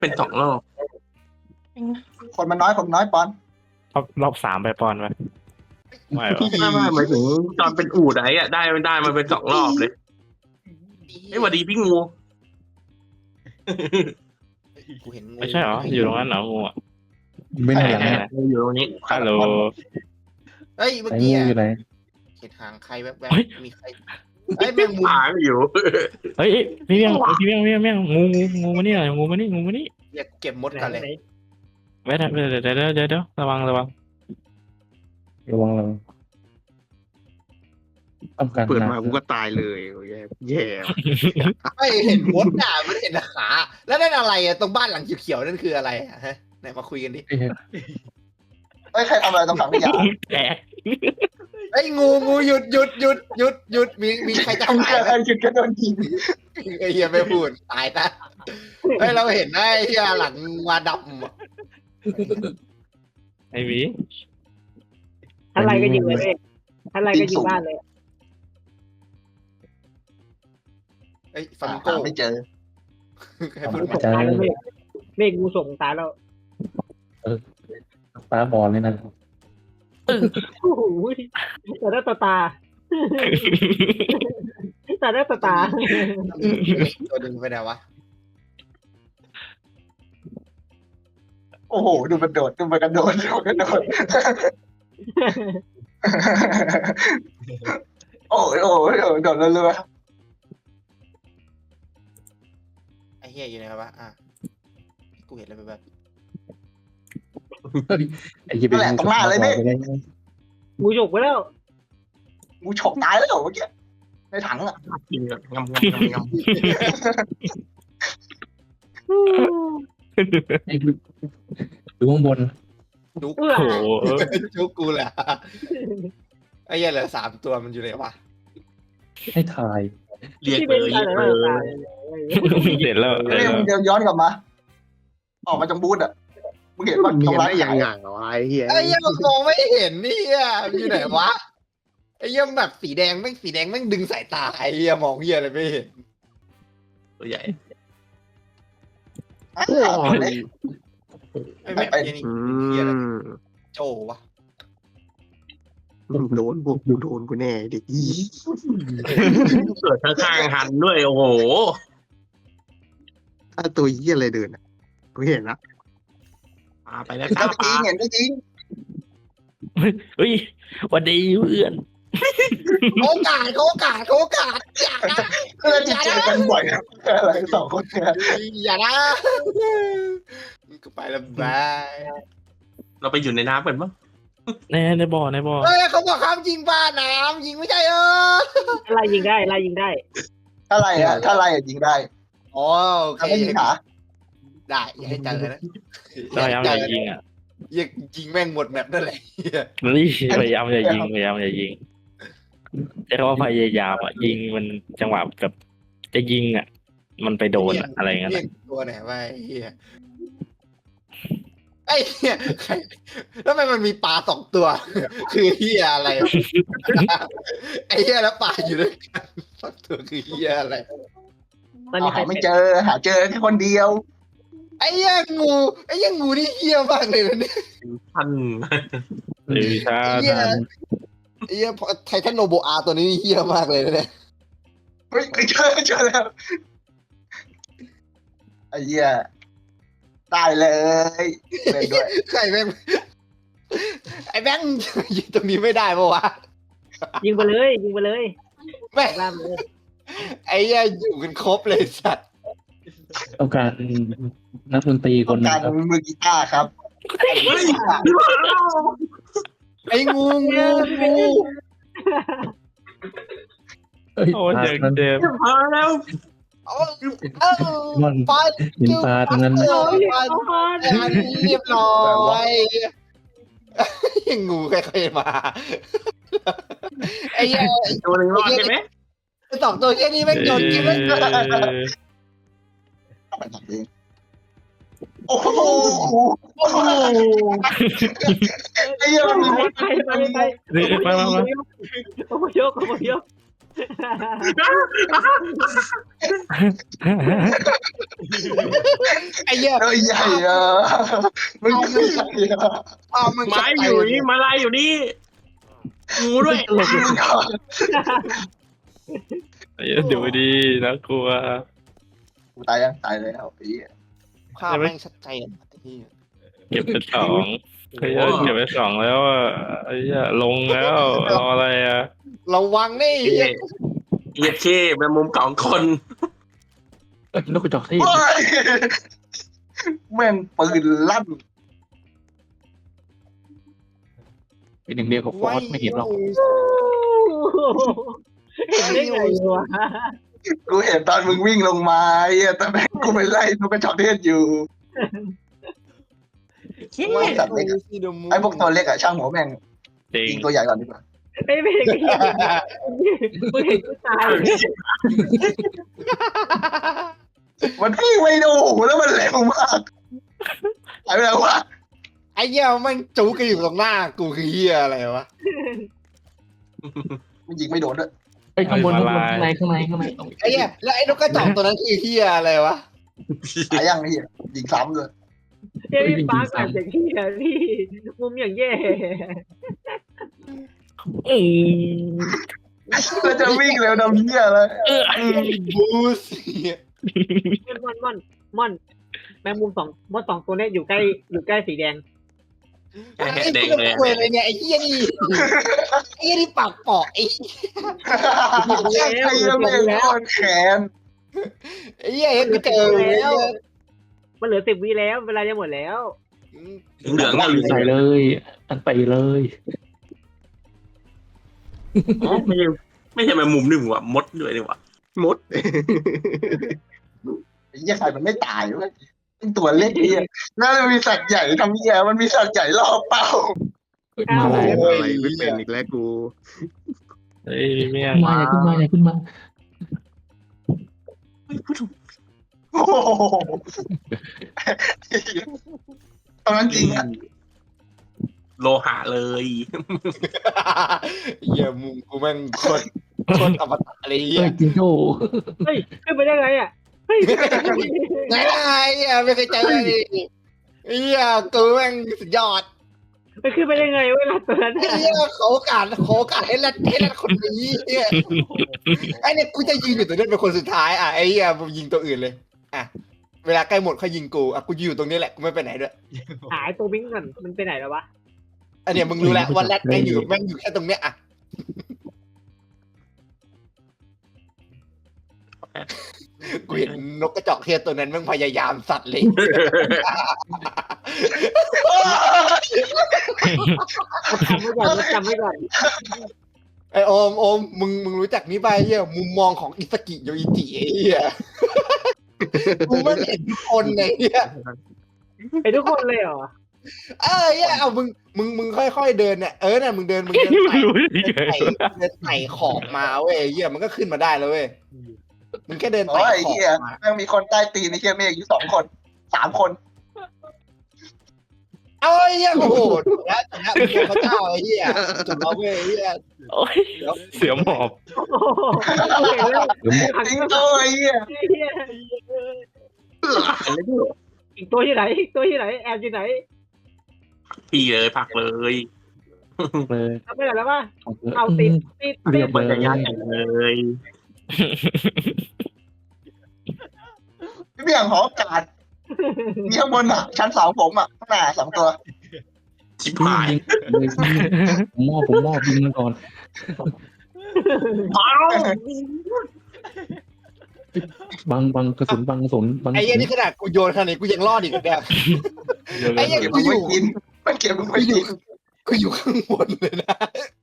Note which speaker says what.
Speaker 1: เป็น2 รอบ
Speaker 2: คนมันน้อยปอน
Speaker 3: รอบ3ไปปอนไปไม่หรอ
Speaker 1: ไม่หมายถึงตอนเป็นอูดอะได้มาเป็น2 รอบเลยสวัสดีพี่งู
Speaker 4: กูเห็นงู
Speaker 3: ไม่ใช่เหรออยู่ตรงนั้นเหรองูอ่ะ
Speaker 5: ไม่ไหนหลัง
Speaker 3: ไหน
Speaker 5: นะ
Speaker 1: อยู่ตรงนี้
Speaker 3: ฮัลโหล
Speaker 4: เฮ้ยเมื่อ
Speaker 5: ไอ้
Speaker 4: กี้
Speaker 5: งูอยู่ไหน
Speaker 4: เห็นหางใครแวบ
Speaker 3: เฮ้ย
Speaker 4: ๆมีใครเฮ้ยแมงมุม
Speaker 1: หางอยู่
Speaker 3: เฮ้ยพี่เมี่ยงงูมานี่หน่อยงูมานี่
Speaker 4: อยากเก็บมดกันเลย
Speaker 3: เดี๋ยวระวัง
Speaker 5: ระวังต้องการ
Speaker 1: เปิด
Speaker 5: นะ
Speaker 1: มากูก็ตายเลยแย่
Speaker 4: ไม่เห็นมดอ่ะมันเห็นขาแล้วนั่นอะไรอ่ะตรงบ้านหลังเขียวๆนั่นคืออะไรอ่ะฮะไหนมาคุยกันดิ
Speaker 2: เฮ้ยใครทำอะไรตรงถังขยะ
Speaker 3: แตก
Speaker 4: ไอ้ยงูหยุดมีใครจะ
Speaker 2: ทำ
Speaker 4: ขาย
Speaker 2: อะไรจุดก็โดนยิง
Speaker 4: ไอ้เหี้ยไม่พูดตายนะเฮ้ยเราเห็นนะไอ้เหี้ยหลังมาดำอะ
Speaker 3: ไอ้หมี
Speaker 6: อะไรก็ยิงเลยอะไรก็ยิงบ้านเลย
Speaker 4: เอ้ยฟามิงโก
Speaker 2: หาไม่เจอ
Speaker 4: ให้พูด
Speaker 6: ส่งตายแล้วเมฆงูส่งตายแล้ว
Speaker 5: ป้าบอลเลยนะ
Speaker 6: โอ้โหแต่ได้ตาแต่ได้ตา
Speaker 4: ตัวดึงไปไหนวะ
Speaker 2: โอ้โหดูมันโดดดูมันกระโดดโอ้ยโดดเรื่อย
Speaker 4: ไอ้เหี้ยอยู่ไหนวะอ่ะกูเห็นอะไรแบบ
Speaker 5: ไอ้ยี่เป็นงู
Speaker 6: งูฉกไปแล้ว
Speaker 2: ๆงูฉกตายแล้วเมื่อกี้ในถังอ่ะ
Speaker 1: กินแบบงำ
Speaker 5: ดูข้างบน
Speaker 4: จุก
Speaker 6: เอื้อ
Speaker 3: โอ้โห
Speaker 4: จุกกูแหละไอ้เหี้ยเหลือ3 ตัวมันอยู่ไหนวะ
Speaker 5: ให้ถ่าย
Speaker 1: เรียก
Speaker 6: ที่
Speaker 1: เล
Speaker 6: เป็น
Speaker 1: ย
Speaker 6: ตายแล้วตาย
Speaker 3: เห็นแล้ว
Speaker 2: นี่มึงเดินย้อนกลับมาออกมาจากบูธอ่ะมึงเห็นว่าทำร้ายอย่าง
Speaker 4: ไอ้เหี้ยมันมองไม่เห็นนี่อ่ะมันอยู่ไหนวะไอ้เหี้ยแบบสีแดงแม่งดึงสายตาไอ้เหี้ยมองเหี้ยอะไรไม่เห็น
Speaker 1: ตัวใหญ่
Speaker 4: ไอ้แม่งเหี้ยนี่เหี้ยอะไรโจวะ
Speaker 1: โดนกูแน่ดิเกิดข้างๆหันด้วยโอ้โหถ้าตัวยี่อะไรเดินอ่ะกูเห็นนะปาไปแล้ว
Speaker 2: เห็นก็จริงเห็นก็จริง
Speaker 3: เฮ้ยวันดีเพื่อน
Speaker 4: โอกาสอย่านะ
Speaker 2: ก็เลยเจอกันบ่อยนะอะไร2 คนเนี่ย
Speaker 4: อย่านะก็ไปแล้วบาย
Speaker 1: เราไปอยู่ในน้ำเป็นมั้ง
Speaker 3: ในบ่อ
Speaker 4: เฮ้ยเขาบอกห้ามยิงบ้านน้ำยิงไม่ใช่
Speaker 6: อะไรยิงได้อะไรยิงได้
Speaker 2: ถ้าไรยิงได้
Speaker 4: อ๋อโอเค
Speaker 2: ถ้าไม่ยิงหา
Speaker 4: ได้อย่าให้เจอนะ
Speaker 3: พยายามอย่ายิงอ่ะ
Speaker 4: ยิงแม่งหมดแมปนั่นแหละ
Speaker 3: นี่พยายามอย่ายิงแต่ว่าพยายามอ่ะยิงมันจังหวะแบบจะยิงอ่ะ มันไปโดนอะไรเงี้ย
Speaker 4: เรียกตัวไหนวะไอ้เหี้ยแล้วทำไมมันมีปลา2 ตัว คือเหี้ยอะไรไอ้เหี้ยแล้วปลาอยู่ด้วยกัน2 ตัวคือเหี้ยอะไร
Speaker 6: ตอนนี้ใคร
Speaker 2: ไม่เจอหาเจอแค่คนเดียว
Speaker 4: ไอ้เหี้ยงูนี่เหี้ยมากเลยนะเนี่ย
Speaker 1: ท่าน
Speaker 3: หรือถ้า
Speaker 4: ไอ้เหี้ยไททันโนโบอาตัวนี้เหี้ยมากเลยนะเนี่ย
Speaker 2: เฮ้ยเจอแล้วไอ้เหี้ยได้เลยเล่นด้วย
Speaker 4: ใครแม่งไอ้แบงค์ยิงตรงนี้ไม่ได้ปะวะ
Speaker 6: ยิงไปเลย
Speaker 4: แม่ง
Speaker 6: ล่ามเลย
Speaker 4: ไอ้เหี้ยอยู่กันครบเลยสัตว์
Speaker 5: ต้องการนักดนตรีคนนึ
Speaker 2: กาง ร
Speaker 5: ครับ
Speaker 2: มือกีตาร์ครับ
Speaker 4: ไอ้งู
Speaker 3: โอ้เจ็บ
Speaker 1: มาแล้ว
Speaker 5: มัน
Speaker 4: ปลา
Speaker 5: เห็นปลาตรงนั้น
Speaker 4: เรียบร้อยงูค่อยๆมาไอ้เหี้ย
Speaker 1: ตัวหนึ่งรอดใช่ไหม
Speaker 4: 2 ตัวแค่นี้แม่งโดนกินไม่ได้
Speaker 2: โอ้โหไอ้เหี้ยมันมี
Speaker 6: ไป
Speaker 3: มา
Speaker 6: อพยพ
Speaker 4: ไอ้เหี้ย
Speaker 2: เอ้ยใหญ่อะมึงคือใหญ่อะ
Speaker 4: เอามัน
Speaker 1: ไม้อยู่นี่มาลายอยู่นี่งูด้วย
Speaker 2: มึงก่อน
Speaker 3: ดูดีน่ากลัว
Speaker 2: กูตายยังตายแล้วไอ้เหี้ย
Speaker 4: ภาพแม่งชัดเจนไอ้เหี้ย
Speaker 3: เก็บไปสองเฮ้ยเก็บไปสองแล้วอ่ะไอ้เหี้ยลงแล้วรออะไรอ่ะ
Speaker 4: ระวังนี่ไอ้เหี้ย
Speaker 1: เหี้ยเท่แมงมุม2 คน
Speaker 5: เอ้ยนกกระจอกเทศ
Speaker 2: โอ้ยแม่งปืนลั่น
Speaker 5: เป็นหนึ่งเดียวกับฟอสไม่เห็นหรอก
Speaker 6: เห็นได้ไงวะ
Speaker 2: กูเห็นตอนมึงวิ่งลงมาไอ้เหี้ยแต่แม่งกูไปไล่นกกระจอกเทศอยู่ว่าสัตว์เล็กอะไอ้พวกตัวเล็กอะช่างหัวแม่ง
Speaker 3: จริง
Speaker 2: ยิงตัวใหญ่ก่อนดีกว่า
Speaker 6: ไม่เห็นกูเห็นกูตาย
Speaker 2: มันวิ่งไม่ดูแล้วมันเร็วมากหายไปแล้ววะ
Speaker 4: ไอ้เหี้ยมันจูกันอยู่ตรงหน้ากูคือเหี้ยอะไรวะ
Speaker 2: มันยิงไม่โดนด้วย
Speaker 5: ไอ้ยข้างบนข้างในข้างใน
Speaker 4: ไอ้เหี้ยแล้วไอ้นกกระจอกตัวนั้นคือเหี้ยอะไรวะ
Speaker 2: หายยังไอ้เหี้ยยิงซ้ำเลย
Speaker 6: เฮ้ยพี่ปาร์คแบบอย่างที่พี่มุมอย่างแย่
Speaker 2: แล้วจะวิ่งเร็วดำเหี้ยเลย
Speaker 4: บูส
Speaker 6: ม่อนแมงมุม2ตัวเนี้ยอยู่ใกล้สีแดง
Speaker 1: แค่
Speaker 4: ไอ้
Speaker 1: แดง
Speaker 4: เหี้ย
Speaker 1: เลย
Speaker 4: ควยเลยเนี่ยไอ้เหี้ยนี่ไอ้เหี้ยนี่ปากเปาะไอ้
Speaker 2: ไอ้เหี้ยแม่งโคตรแขน
Speaker 4: ไอ้เหี้ยเห็นกูเจอแล้ว
Speaker 6: มันเหลือ10 วิแล้วเวลาจะหมดแล้ว
Speaker 1: เหลืองอ่ะ
Speaker 5: ใส่เลย อันไปเลย
Speaker 1: ไม่ใช่แมงมุมนี่หว่ามดด้วยนี่หว่ามด
Speaker 2: ไอ้เหี้ยใครมันไม่ตายเว้ยเป็นตัวเล็กไอ้เหี้ยน่าจะมีสัตว์ใหญ่ทำเหี้ยมันมีสัตว์ใหญ่ล่อเป้า
Speaker 5: มาอะไร
Speaker 7: อะไรไม่เป็นอีกแล้วกู
Speaker 3: เฮ้ยเมี่ยง
Speaker 5: มาอย่าขึ้นมา
Speaker 2: โอ้โหตอนนั้นจริงอะ
Speaker 1: โลหะเลย
Speaker 4: เหี้ยมุมกูแม่งโคตรอมตะอะไรเหี้
Speaker 5: เฮ้
Speaker 4: ย
Speaker 5: ยจิงโจ้
Speaker 6: เฮ้ยขึ้นไปได้ไงอ่ะเฮ้ย
Speaker 4: ไงเหี้ยไม่เคยเจอเลยเหี้ยกูแม่งสุดยอด
Speaker 6: ไปขึ้นไปได้ไงเวลาตัวนั้น
Speaker 4: ไอ้เหี้ยขอโอกาสให้แรดคนนี้เหี้ยไอ้เนี่ยกูจะยืนอยู่ตรงนี้เป็นคนสุดท้ายอ่ะไอ้เหี้ยมึงยิงตัวอื่นเลยอ่ะเวลาใกล้หมดค่อยยิงกูอ่ะกูอยู่ตรงนี้แหละกูไม่ไปไหนด้วย
Speaker 6: หายตัววิ่งก่อนมันไปไหนแล้ววะ
Speaker 4: อันเนี้ยมึงรู้แล้วว่าแรดแม่งอยู่แค่ตรงเนี้ยอ่ะกูเห็นนกกระจอกเทศตัวนั้นแม่งพยายามสัตว์เลย
Speaker 6: จำไว้ก่อน
Speaker 4: ไอโอมมึงรู้จักนี้ป่ะเหี้ยมุมมองของอิสกิโยอิจิไอ้เหี้ยกูไม่เห็นทุกคนเลยเหี้ย
Speaker 6: ไอ้ทุกคนเลยเหรอ
Speaker 4: เหี้ยเอามึงค่อยๆเดินเนี่ยเนี่ยมึงเดิน
Speaker 3: ไม่รู้ยังไง
Speaker 4: เดินไต่ขอบมาเว้ยเหี้ยมันก็ขึ้นมาได้แล้วเว้ยมึงแค่เดิน
Speaker 2: โอ้
Speaker 4: ไต่
Speaker 2: ยไอ้
Speaker 4: ขอบ
Speaker 2: เหี้ย
Speaker 4: มา
Speaker 2: แม่งมีคนใต้ตีนไอ้เหี้ยเมฆอยู่2 คน3 คน
Speaker 4: เอาไอ้เหี้ยโอ้โหถูกแล้วมึงเป็นพระเจ้าไอ้เหี้ยถูกแล้วเว้ยไอ้เหี้ย
Speaker 3: โอ้ยเสือหมอบ
Speaker 6: โอ้โหเห็นแล้ว
Speaker 2: ทิ้งโตไอ้เหี้ย
Speaker 6: อีกตัวที่ไหนแอบที่ไหน
Speaker 1: พี่เลยผักเลย
Speaker 5: เลย
Speaker 6: ทำไม่ได้แล้ววะ
Speaker 5: ของเธอ
Speaker 6: เอาติด
Speaker 5: เรียบ
Speaker 1: มัน
Speaker 5: เล
Speaker 1: จะ
Speaker 5: ย
Speaker 1: ยากเลย
Speaker 2: พี่เบี่ยงหออากาศมีข้างบนอ่ะชั้น2ผมอ่ะข้างหน้า2 ตัว
Speaker 1: ชิบ
Speaker 5: ยิ
Speaker 1: หาย
Speaker 5: งเลยผมมอบยิงมันก่อน
Speaker 1: เอ้า
Speaker 5: บังกระสุนบังบัง
Speaker 4: ไอ้เหี้ยนี่ขนาดกูโยนขนาดนี้กูยังรอดอีกแบบไอ้เหี้ย
Speaker 2: เก็บ
Speaker 4: กู
Speaker 2: มึง
Speaker 4: อ
Speaker 2: ไว้
Speaker 4: ยู่
Speaker 2: กินมันเก็บมึงไว้กิน
Speaker 4: กูอยู่ข้างบนเลยนะ